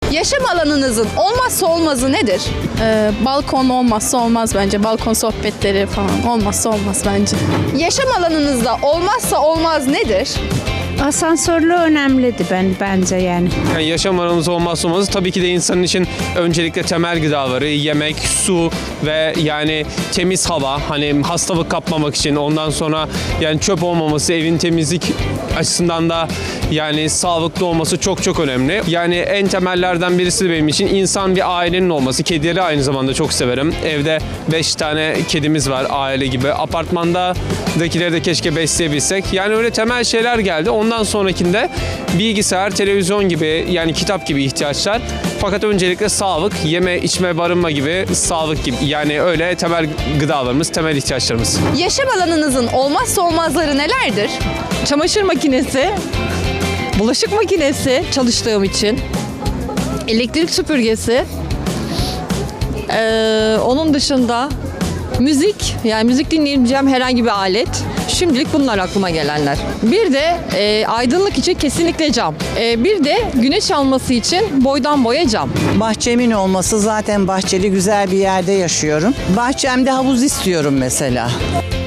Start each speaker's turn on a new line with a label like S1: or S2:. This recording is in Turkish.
S1: Yaşam alanınızın olmazsa olmazı nedir?
S2: Balkon olmazsa olmaz bence. Balkon sohbetleri falan olmazsa olmaz bence.
S1: Yaşam alanınızda olmazsa olmaz nedir?
S3: Asansörlü önemliydi bence yani.
S4: Yani yaşam alanımız olmazsa olmazı tabii ki de insanın için öncelikle temel gıdaları, yemek, su ve yani temiz hava, hani hastalık kapmamak için, ondan sonra yani çöp olmaması, evin temizlik açısından da yani sağlıklı olması çok çok önemli. Yani en temellerden birisi de benim için insan bir ailenin olması. Kedileri aynı zamanda çok severim. Evde 5 tane kedimiz var aile gibi. Apartmandakileri de keşke besleyebilsek. Yani öyle temel şeyler geldi. Ondan sonrakinde bilgisayar, televizyon gibi yani kitap gibi ihtiyaçlar. Fakat öncelikle sağlık, yeme, içme, barınma gibi sağlık gibi yani öyle temel gıdalarımız, temel ihtiyaçlarımız.
S1: Yaşam alanınızın olmazsa olmazları nelerdir?
S5: Çamaşır makinesi, bulaşık makinesi çalıştığım için, elektrik süpürgesi, onun dışında müzik, yani müzik dinleyebileceğim herhangi bir alet. Şimdilik bunlar aklıma gelenler. Bir de aydınlık için kesinlikle cam. Bir de güneş alması için boydan boya cam.
S6: Bahçemin olması, zaten bahçeli güzel bir yerde yaşıyorum. Bahçemde havuz istiyorum mesela.